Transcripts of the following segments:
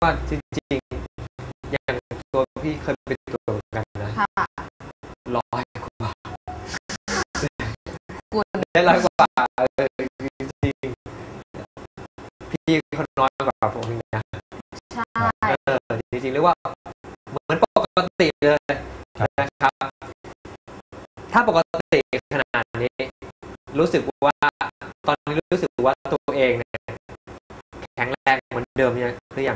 ว่าจริงๆอย่างตัวพี่เคยไปตรวจกันนะ100 กว่าได้100 กว่าจริงๆพี่คนน้อยกว่าผมอีกนะใช่จริงๆเรียกว่าเหมือนปกติเลยนะครับถ้าปกติขนาดนี้รู้สึกว่าตอนนี้รู้สึกว่าตัวเองเนี่ยแข็งแรงเหมือนเดิมยังหรือยัง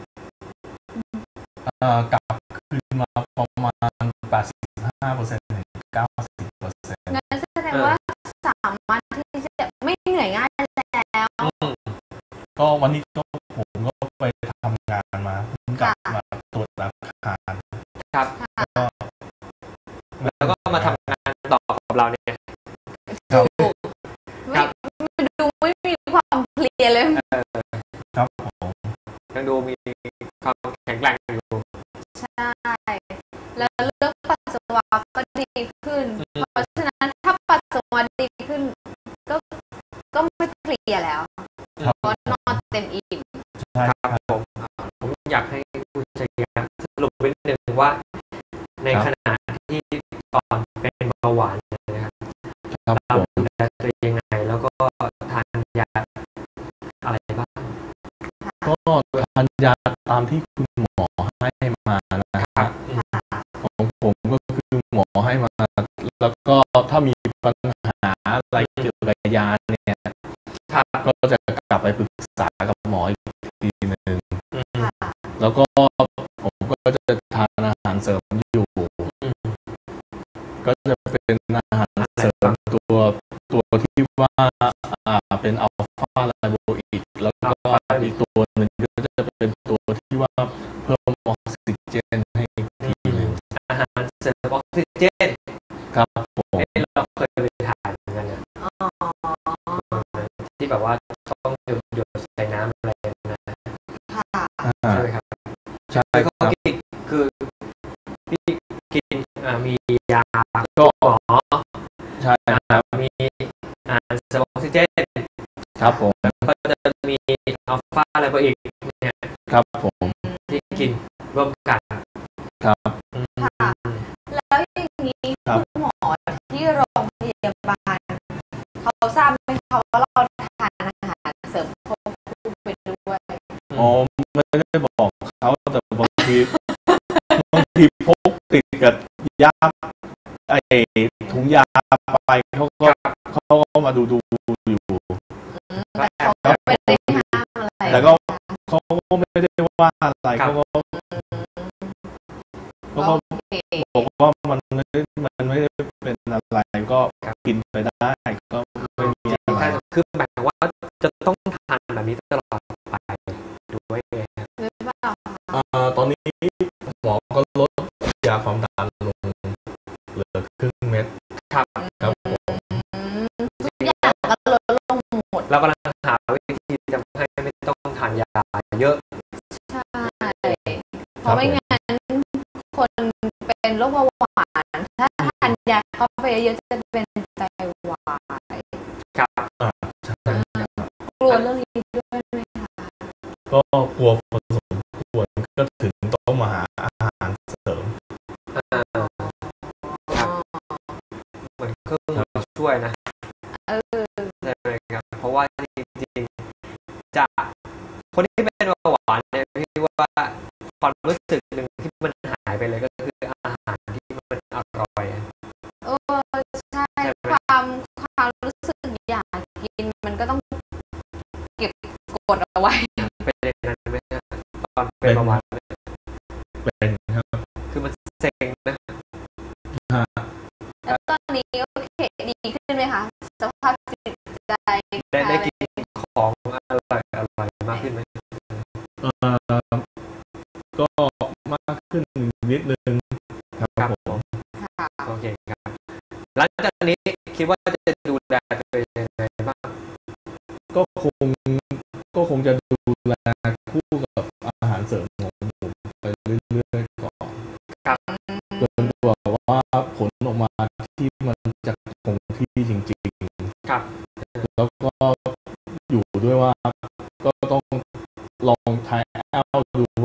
กลับคืนมาประมาณ 85% ถึง 90% งั้นแสดงว่าสามารถที่จะไม่เหนื่อยง่ายแล้วก็วันนี้ผมก็ไปทำงานมาเพิ่งกลับมาตรวจอาคารครับแล้วก็มาทำงานต่อกับเราเนี่ยมันดูไม่มีความเพลียเลยครับผมยังดูมีความแข็งแรงอยู่ใช่แล้วเรื่องปัสสาวะก็ดีขึ้นเพราะฉะนั้นถ้าปัสสาวะดีขึ้นก็ไม่เพลียแล้วเพราะนอนเต็มอิ่มใช่ครับผมอยากให้ผู้ใช้งานสรุปเป็นหนึ่งว่าในขณะที่ตอนเป็นเบาหวานนะครับเราดูแลตัวเองยังไงแล้วก็ทานยาอะไรบ้างก็ทานยาตามที่คุณหมอให้มานะครับของผมก็คือหมอให้มาแล้วก็ถ้ามีปัญหาอะไรเกี่ยวกับยาเนี่ยก็จะกลับไปปรึกษากับหมออีกทีนึงแล้วก็ผมก็จะทานอาหารเสริมอยู่ก็จะเป็นอาหารเสริมตัวที่ว่าเป็นอัลฟาไลโบอิกแล้วก็อีกตัวหนึ่งก็จะเป็นตัวที่ว่าเพิ่มออกซิเจนให้ทีนึงอาหารเสริมออกซิเจนครับผมเราเคยไปทานกันนะที่แบบว่าต้องหยดใส่น้ำอะไรนะใช่ไหมครับใช่ก็คือพี่กินมียาก็หมอใช่ครับมีเสริมออกซิเจนครับผมก็จะมีอัลฟาอะไรไปอีกเนี่ยครับผมที่กินร่วมกันครับแล้วอย่างนี้คุณหมอที่โรงพยาบาลเขาทราบไหมคะว่าเราทานอาหารเสริมควบคู่ไปด้วยไม่ได้บอกเขาแต่บางทีพกติดกับยาถุงยาไปเขาก็มาดูอยู่แต่ก็เขาก็ไม่ได้ว่าอะไรเขาก็บอกว่ามันไม่ได้เป็นอะไรก็กินไปได้ก็ไม่มีอะไรคือหมายว่าจะต้องทานแบบนี้ตลอดไปด้วยตอนนี้หมอก็ลดยาความดันลงเหลือครึ่งเม็ดครับผมทุกอย่างก็ลดลงหมดเรากำลังหาวิธีจะให้ไม่ต้องทานยาเยอะใช่เพราะไม่งั้นคนเป็นโรคเบาหวานถ้าทานยาเข้าไปเยอะจะเป็นไตวายครับกลัวเรื่องนี้ด้วยไหมคะก็กลัวพอสมควรก็ถึงต้องมาหาอาหารเสริมเหมือนเครื่องช่วยนะใช่ไหมครับเพราะว่าจริงๆจะคนที่เป็นเบาหวานเนี่ยพี่ว่าความรู้สึกหนึ่งที่มันหายไปเลยก็คืออาหารที่มันอร่อยใช่ความรู้สึกอยากกินมันก็ต้องเก็บกดเอาไว้เป็นนั้นไหมตอนเป็นเบาหวานเป็นครับคือมันเซ็งนะแล้วตอนนี้โอเคดีขึ้นไหมคะสภาพจิตใจได้กินของอร่อยมากขึ้นไหมก็มากขึ้นนิดนึงครับผมโอเคครับหลังจากนี้คิดว่าจะดูแลตัวเองยังไงบ้างก็คงจะดูแลคู่กับอาหารเสริมของผมไปเรื่อยๆก่อนจนกว่าว่าผลออกมาที่มันจะคงที่จริงๆครับแล้วก็อยู่ด้วยว่าก็ต้องลองทายเอาดู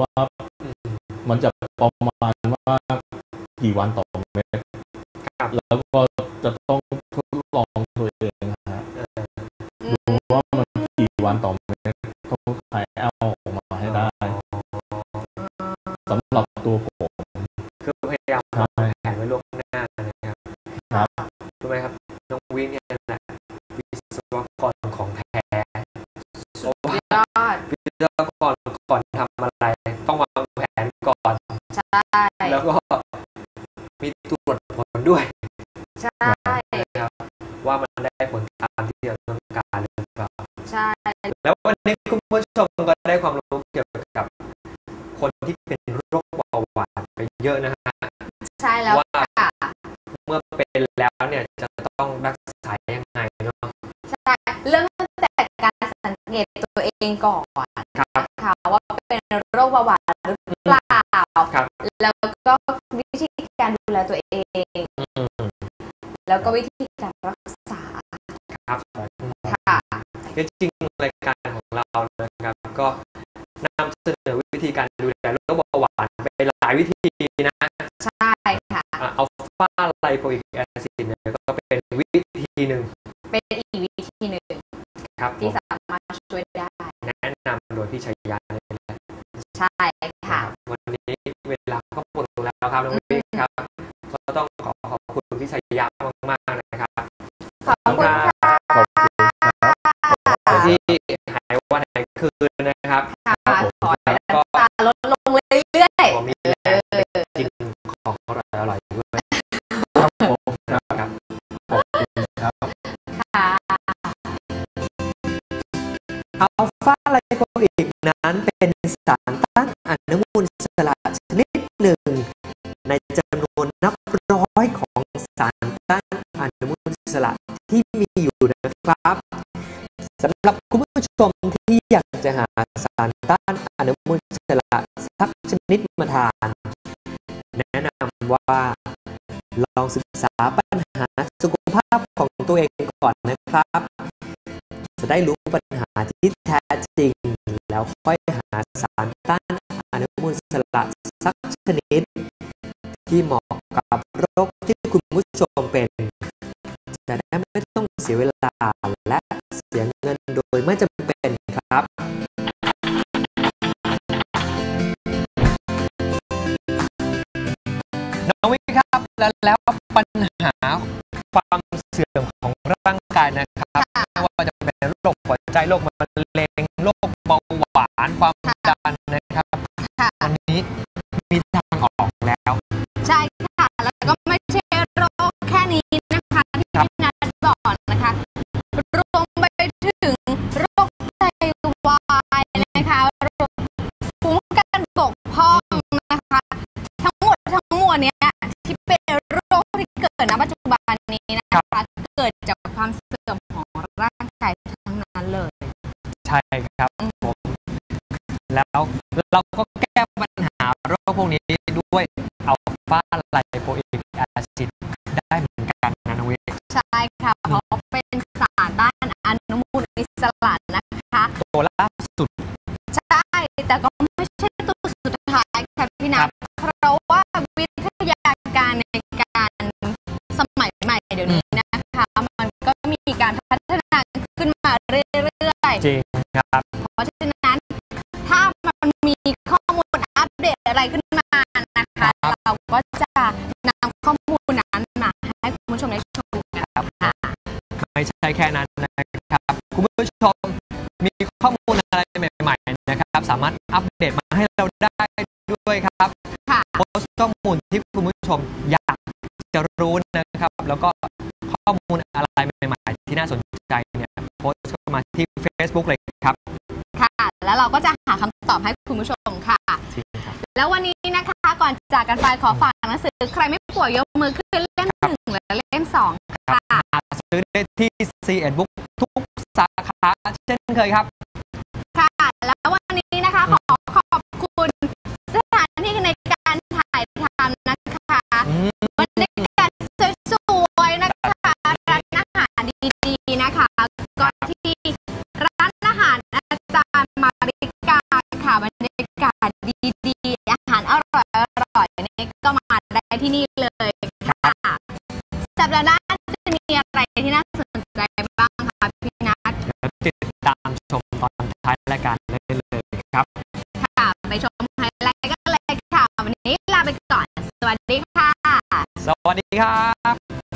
ว่ามันจะประมาณว่ากี่วันต่อเม็ดแล้วก็จะต้องทดลองตัวเองนะฮะดูว่ามันกี่วันต่อเม็ดต้องถ่ายเอาออกมาให้ได้สำหรับตัวผมคือพยายามวางแผนไว้ล่วงหน้านะครับครับรู้ไหมครับน้องวินเนี่ยแหละวิศวกรของแท้เพราะว่าวิศวกรก่อนทำอะไรต้องวางแผนก่อนใช่แล้วก็มีตรวจผลด้วยใช่ครับว่ามันได้ผลตามที่เราต้องการหรือเปล่าใช่แล้ววันนี้คุณผู้ชมก็ได้ความรู้เกี่ยวกับคนที่เป็นโรคเบาหวานไปเยอะนะฮะใช่แล้วว่าเมื่อเป็นแล้วเนี่ยจะต้องรักษายังไงเนาะใช่เริ่มตั้งแต่การสังเกตตัวเองก่อนค่ะว่าเป็นโรคเบาหวานหรือเปล่าแล้วก็วิธีการดูแลตัวเองแล้วก็วิธีการรักษาครับค่ะจริงรายการของเรานะครับก็นำเสนอวิธีการดูแลโรคเบาหวานไปหลายวิธีนะใช่ค่ะอัลฟาไลโปอิกแอซิดเนี่ยก็เป็นวิธีหนึ่งเป็นอีกวิธีหนึ่งครับที่สามารถช่วยได้แนะนำโดยพี่ชัยยาเลยใช่ค่ะวันนี้เวลาก็หมดลงแล้วครับน้องวิครับก็ต้องขอบคุณพี่ชัยยามากๆนะครับขอบคุณค่ะที่หายวันหายคืนนะครับขอให้น้ำตาลดลงเรื่อยๆมีแรงกินของอร่อยด้วยครับผมครับขอบคุณครับค่ะอัลฟาไลโปอิกนั้นเป็นสารต้านอนุมูลอิสระชนิดหนึ่งในจำนวนนับร้อยของสารต้านอนุมูลอิสระที่มีอยู่นะครับสำหรับคุณผู้ชมที่อยากจะหาสารต้านอนุมูลอิสระสักชนิดมาทานแนะนำว่าลองศึกษาปัญหาสุขภาพของตัวเองก่อนนะครับจะได้รู้ปัญหาที่แท้จริงแล้วค่อยหาสารต้านอนุมูลอิสระสักชนิดที่เหมาะกับโรคที่คุณผู้ชมเป็นจะได้ไม่ต้องเสียเวลาและเสียเงินโดยไม่จำเป็นครับน้องวิครับแล้วปัญหาความเสื่อมของร่างกายนะครับไม่ว่าจะเป็นโรคหัวใจโรคมะเร็งโรคเบาหวานความดันนะครับวันนี้มีทางออกแล้วใช่ค่ะแล้วก็ไม่ใช่โรคแค่นี้นะคะที่พี่นัทบอกนะคะรวมไปถึงโรคไตวายนะคะโรคภูมิคุ้มกันบกพร่องนะคะทั้งหมดเนี้ยที่เป็นโรคที่เกิดณปัจจุบันนี้นะคะเกิดจากความเสื่อมของร่างกายทั้งนั้นเลยใช่ครับผมแล้วเราก็แก้ปัญหาโรคพวกนี้ด้วยอัลฟาไลโปอิกแอซิดได้เหมือนกันนะน้องวิใช่ค่ะเพราะเป็นสารต้านอนุมูลอิสระนะคะตัวล่าสุดใช่แต่ก็ไม่ใช่ตัวสุดท้ายค่ะพี่นัทเพราะว่าวิทยาการในการสมัยใหม่เดี๋ยวนี้นะคะมันก็มีการพัฒนาขึ้นมาเรื่อยๆจริงครับเพราะฉะนั้นถ้ามันมีข้อมูลอัปเดตอะไรขึ้นมานะคะเราก็จะนำข้อมูลนั้นมาให้คุณผู้ชมได้ชมกันค่ะไม่ใช่แค่นั้นนะครับคุณผู้ชมมีข้อมูลอะไรใหม่ๆนะครับสามารถอัปเดตมาให้เราได้ด้วยครับโพสต์ข้อมูลที่คุณผู้ชมอยากจะรู้นะครับแล้วก็ข้อมูลอะไรใหม่ๆที่น่าสนใจเนี่ยโพสต์เข้ามาที่ Facebook เลยครับค่ะแล้วเราก็จะหาคำตอบให้คุณผู้ชมค่ะแล้ววันนี้นะคะก่อนจากกันไปขอฝากหนังสือใครไม่ป่วยยกมือขึ้นเล่ม1และเล่ม2ค่ะซื้อได้ที่ C1 Book ทุกสาขาเช่นเคยครับค่ะแล้ววันนี้นะคะขอขอบคุณสถานที่ในการถ่ายทำนะคะบรรยากาศสวยๆนะคะร้านอาหารดีๆนะคะก็ที่ร้านอาหารอาจารย์มาริกาค่ะบรรยากาศที่นี่เลยค่ะสัปดาห์หน้าจะมีอะไรที่น่าสนใจบ้างคะพี่นัทติดตามชมตอนท้ายรายการได้เลยครับค่ะไปชมไฮไลท์กันเลยค่ะวันนี้ลาไปก่อนสวัสดีค่ะสวัสดีครับ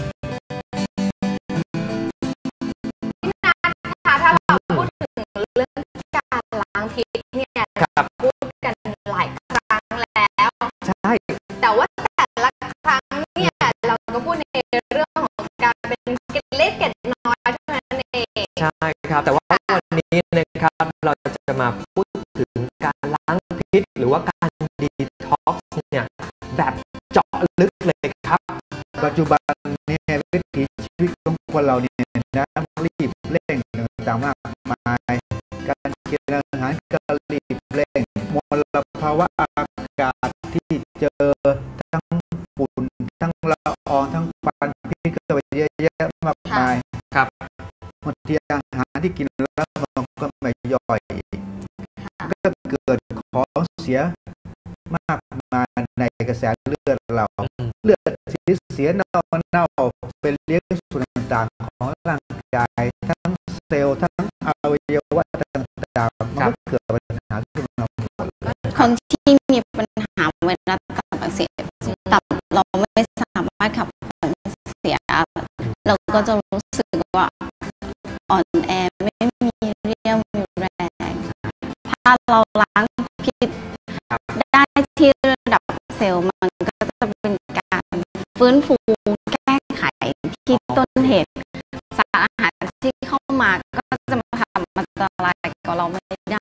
พี่นัทค่ะถ้าเราพูดถึงเรื่องการล้างพิษเนี่ยพูดกันหลายครั้งแล้วใช่แต่ว่าแต่ละครั้งเนี่ยเราก็พูดในเรื่องของการเป็นเกล็ดเล็กเกล็ดน้อยเท่านั้นเองใช่ครับแต่ว่าวันนี้นะครับเราจะมาพูดถึงการล้างพิษหรือว่าการดีท็อกซ์เนี่ยแบบเจาะลึกเลยครับปัจจุบันเนี่ยวิถีชีวิตของคนเราเนี่ยนะรีบเร่งต่างๆมากมายการกินอาหารก็รีบเร่งมลภาวะอากาศที่เจอทั้งฝุ่นทั้งละอองทั้งควันพิษก็ไปเยอะแยะมากมายครับบางทีอาหารที่กินแล้วมันก็ไม่ย่อยก็เกิดของเสียมากมายในกระแสเลือดเราเลือดเสียเน่าเป็นเลี้ยงส่วนต่างๆของร่างกายทั้งเซลล์ทั้งอวัยวะต่างๆมันก็เกิดปัญหาขึ้นมาคนที่มีปัญหาเวลาตับอักเสบตับเราไม่สามารถขับของเสียเราก็จะรู้สึกว่าอ่อนแอไม่มีเรี่ยวมีแรงถ้าเราล้างพิษได้ที่ระดับเซลล์มันก็จะเป็นการฟื้นฟูแก้ไขที่ต้นเหตุสารอาหารที่เข้ามาก็จะมาทำอันตรายกับเราไม่ได้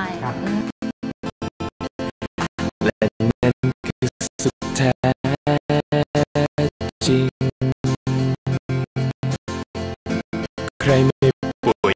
และนั่นคือสุดแท้จริงใครไม่ป่วย